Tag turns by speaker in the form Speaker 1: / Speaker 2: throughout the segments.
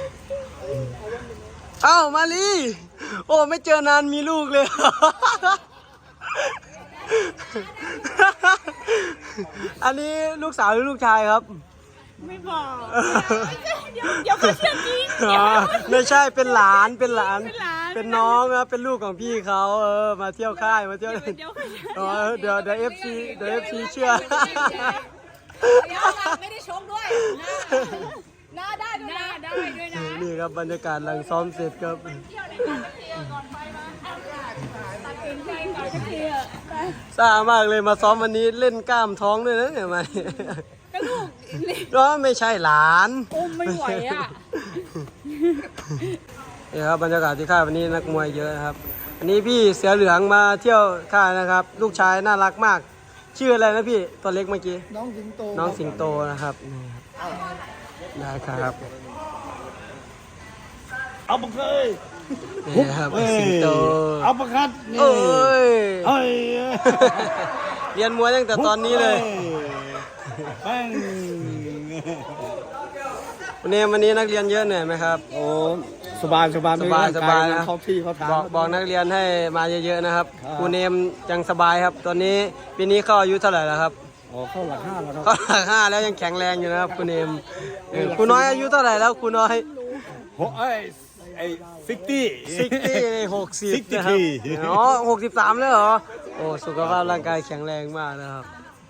Speaker 1: เอ้ามาลีโอ้ไม่เจอนานมีลูกเลย อันนี้ลูกสาวหรือลูกชายครับ
Speaker 2: ไม่บอกเดี๋ยวเขาเชื่อจริง
Speaker 1: ไม่ใช่เป็นหลานเป็นน้องนะเป็นลูกของพี่เขามาเที่ยวค่ายมาเที่ยวเดี๋ยวเอฟซีเชื่อ
Speaker 2: ไม่ได้ชมด้วยหน้าได้ด้วยนะ
Speaker 1: นี่ครับบรรยากาศหลังซ้อมเสร็จครับซ่ามากเลยมาซ้อมวันนี้เล่นกล้ามท้องด้วยนะเนี่ยมา
Speaker 2: ก็ลูก
Speaker 1: ก็ไม่ใช่หลาน
Speaker 2: ไม่ไหวอ่ะ
Speaker 1: นี่ครับบรรยากาศที่ค่ายวันนี้นักมวยเยอะครับอันนี้พี่เสือเหลืองมาเที่ยวค่ายนะครับลูกชายน่ารักมากชื่ออะไรนะพี่ตัวเล็กเมื่อกี้น้องสิงโตนะครับได้ครับ
Speaker 3: เอาปะเคย
Speaker 1: นี่ครับสิงโต
Speaker 3: เอาปะคัด
Speaker 1: เอ้ยเรียนมวยตั้งแต่ตอนนี้เลยวันนี้นักเรียนเยอะเหนื่อยไหมครับ
Speaker 3: โอ้สบาย
Speaker 1: นะ
Speaker 3: เขาที่เขาถาม
Speaker 1: บอกนักเรียนให้มาเยอะๆนะครับครูเนมยังสบายครับตอนนี้ปีนี้เข้าอายุเท่าไหร่แล้วครับ
Speaker 3: เข้าหลัก 5แล้วครับ
Speaker 1: เข้าหลัก 5แล้วยังแข็งแรงอยู่นะครับครูเนมครูน้อยอายุเท่าไหร่แล้วครูน้อย60นะครับ63แล้วเหรอโอ้สุขภาพร่างกายแข็งแรงมากนะครับ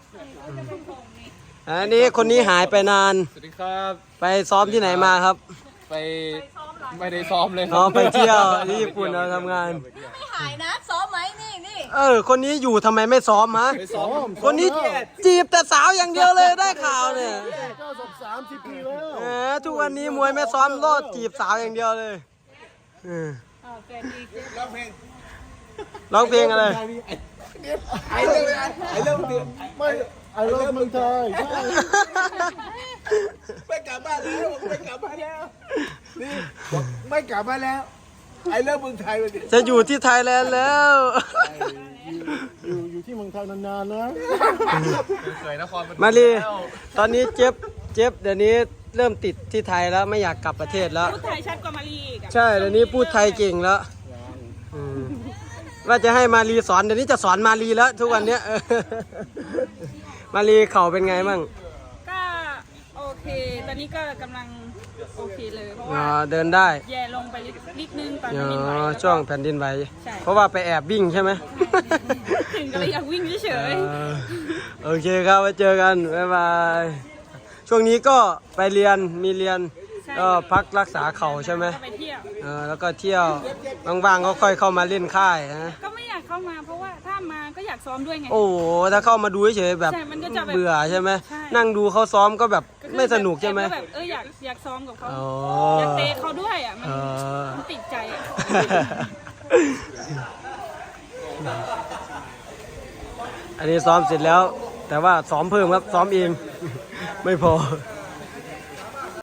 Speaker 1: อันนี้คนนี้หายไปนาน
Speaker 4: สวัสดีครับ
Speaker 1: ไปซ้อมที่ไหนมาครับ
Speaker 4: ไม่ได้ซ้อมเลย
Speaker 1: ไปเที่ยวที่ญี่ปุ่นเราทำงาน
Speaker 2: ไม่หายนะซ้อมไหมนี่
Speaker 1: คนนี้อยู่ทำไมไม่ซ้อมฮะคนนี้จีบแต่สาวอย่างเดียวเลยได้ข่าวเนี่ย
Speaker 3: 30 ปีแล้ว
Speaker 1: ทุกวันนี้มวยไม่ซ้อมโลดจีบสาวอย่างเดียวเลยร้องเพลงอะไร
Speaker 3: ไอ้เรื่องเดียวไม่ไอ้เรื่องเมืองไทยไม่กลับบ้านแล้วนี่ไม่กลับบ้านแล้วไอ้เรื่องเมืองไทย
Speaker 1: จะอยู่ที่ไทยแลนด์แล้ว
Speaker 3: อยู่ที่เมืองไทยนานๆนะ
Speaker 4: เคยนคร
Speaker 1: มาลีตอนนี้เจ็บเดี๋ยวนี้เริ่มติดที่ไทยแล้วไม่อยากกลับประเทศแล้ว
Speaker 2: พูดไทยชัดกว่ามาลีอีก
Speaker 1: ใช่เดี๋ยวนี้พูดไทยเก่งแล้วว่าจะให้มาลีสอนเดี๋ยวนี้จะสอนมาลีแล้วทุกวันเนี้ยมาลีเข่าเป็นไงมั่ง
Speaker 2: ก็โอเคตอนนี้ก็กำลังโอเคเลยเพราะว่า
Speaker 1: เดินได้
Speaker 2: แย่ลงไปนิดนึงตอนนี้
Speaker 1: ช่วงแผ่นดินไหวเพราะว่าไปแอบวิ่งใช่ไหม
Speaker 2: ถึงก็เลยอยากวิ่งเฉย
Speaker 1: โอเคครับไว้เจอกันบ๊ายบายช่วงนี้ก็ไปเรียนมีเรียนก็พักรักษาเข่าใช่ไหม
Speaker 2: ไปเที่ยว
Speaker 1: แล้วก็เที่ยวบางๆก็ค่อยเข้ามาเล่นค่ายนะ
Speaker 2: ก็ไม่อยากเข้ามาเพราะว่าถ้ามาก็อยากซ้อมด้วยไง
Speaker 1: โอ้ถ้าเข้ามาดูเฉยๆแบบเบื่อใช่ไหมนั่งดูเขาซ้อมก็แบบไม่สนุกใช่ไหม
Speaker 2: แบบอยากซ้อมกับเขาอยากเตะเขาด้วยอ่ะมันติดใจ
Speaker 1: อันนี้ซ้อมเสร็จแล้วแต่ว่าซ้อมเพิ่มครับซ้อมเองไม่พอ